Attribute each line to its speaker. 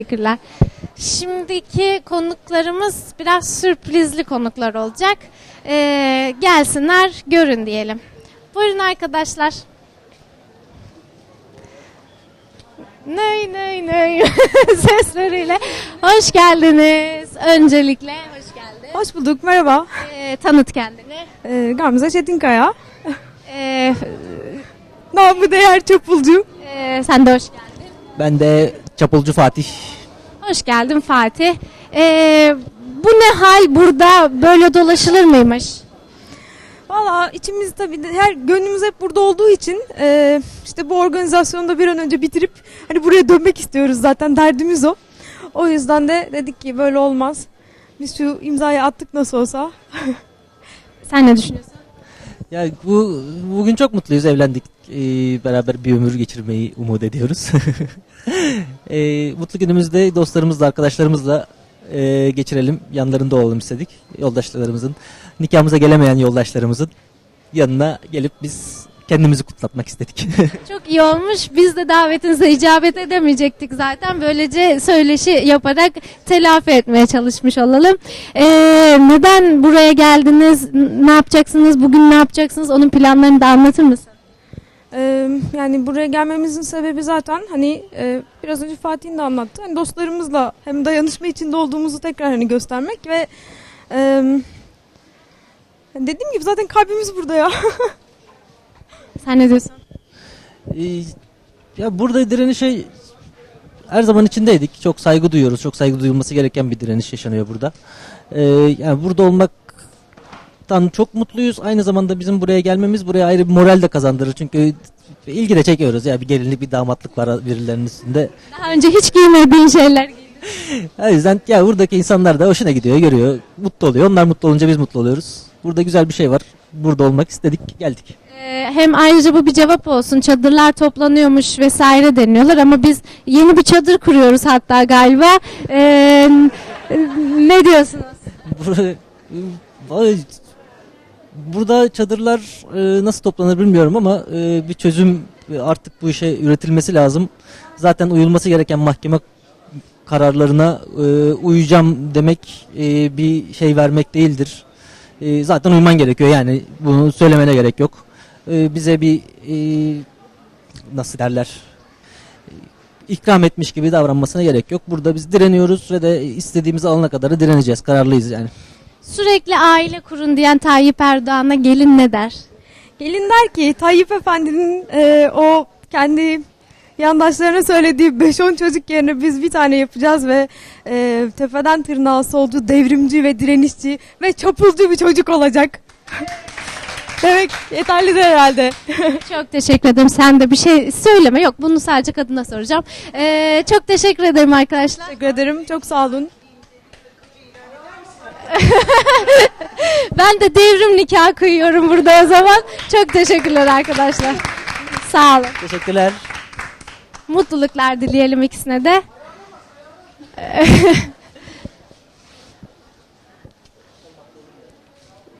Speaker 1: Teşekkürler. Şimdiki konuklarımız biraz sürprizli konuklar olacak. Gelsinler, görün diyelim. Buyurun arkadaşlar. Ney ney ney sesleriyle hoş geldiniz. Öncelikle hoş geldin.
Speaker 2: Hoş bulduk, merhaba.
Speaker 1: Tanıt kendini.
Speaker 2: Gamze Çetinkaya. Namı değer çapulcu.
Speaker 1: Sen de hoş geldin.
Speaker 3: Ben de Çapulcu Fatih.
Speaker 1: Hoş geldin Fatih. Bu ne hal, burada böyle dolaşılır mıymış?
Speaker 2: Valla içimiz tabii her gönlümüz hep burada olduğu için işte bu organizasyonu da bir an önce bitirip hani buraya dönmek istiyoruz, zaten derdimiz o. O yüzden de dedik ki böyle olmaz. Biz şu imzayı attık nasıl olsa.
Speaker 1: Sen ne düşünüyorsun?
Speaker 3: Ya bugün çok mutluyuz, evlendik. Beraber bir ömür geçirmeyi umut ediyoruz. Mutlu günümüzde dostlarımızla, arkadaşlarımızla geçirelim. Yanlarında olalım istedik. Yoldaşlarımızın, nikahımıza gelemeyen yoldaşlarımızın yanına gelip biz kendimizi kutlatmak istedik.
Speaker 1: Çok iyi olmuş. Biz de davetinize icabet edemeyecektik zaten. Böylece söyleşi yaparak telafi etmeye çalışmış olalım. Neden buraya geldiniz? Ne yapacaksınız? Bugün ne yapacaksınız? Onun planlarını da anlatır mısın?
Speaker 2: Yani buraya gelmemizin sebebi zaten hani biraz önce Fatih'in de anlattı. Hani dostlarımızla hem dayanışma içinde olduğumuzu tekrar hani göstermek ve dediğim gibi zaten kalbimiz burada ya.
Speaker 1: Sen ne diyorsun?
Speaker 3: Ya burada direniş her zaman içindeydik. Çok saygı duyuyoruz. Çok saygı duyulması gereken bir direniş yaşanıyor burada. Yani burada olmaktan çok mutluyuz. Aynı zamanda bizim buraya gelmemiz buraya ayrı bir moral de kazandırır. Çünkü ilgi de çekiyoruz. Ya bir gelinlik, bir damatlık var birilerinin üstünde.
Speaker 1: Daha önce hiç giymediğin şeyler giydin.
Speaker 3: O yüzden ya buradaki insanlar da hoşuna gidiyor, görüyor, mutlu oluyor. Onlar mutlu olunca biz mutlu oluyoruz. Burada güzel bir şey var. Burada olmak istedik, geldik.
Speaker 1: Hem ayrıca bu bir cevap olsun. Çadırlar toplanıyormuş vesaire deniyorlar ama biz yeni bir çadır kuruyoruz hatta galiba. Ne diyorsunuz?
Speaker 3: Burada çadırlar nasıl toplanır bilmiyorum ama bir çözüm artık bu işe üretilmesi lazım. Zaten uyulması gereken mahkeme kararlarına uyacağım demek bir şey vermek değildir. Zaten uyman gerekiyor, yani bunu söylemene gerek yok. Bize bir nasıl derler, ikram etmiş gibi davranmasına gerek yok. Burada biz direniyoruz ve de istediğimizi alana kadar direneceğiz. Kararlıyız yani.
Speaker 1: Sürekli aile kurun diyen Tayyip Erdoğan'a gelin ne der?
Speaker 2: Gelin der ki Tayyip Efendi'nin o kendi yandaşlarına söylediği 5-10 çocuk yerine biz bir tane yapacağız ve tepeden tırnağa solcu, devrimci ve direnişçi ve çapulcu bir çocuk olacak. Demek yeterlidir herhalde.
Speaker 1: Çok teşekkür ederim. Sen de bir şey söyleme. Yok, bunu sadece kadına soracağım. Çok teşekkür ederim arkadaşlar.
Speaker 2: Teşekkür ederim. Çok sağ olun.
Speaker 1: Ben de devrim nikahı kıyıyorum burada o zaman. Çok teşekkürler arkadaşlar. Sağ olun.
Speaker 3: Teşekkürler.
Speaker 1: Mutluluklar dileyelim ikisine de.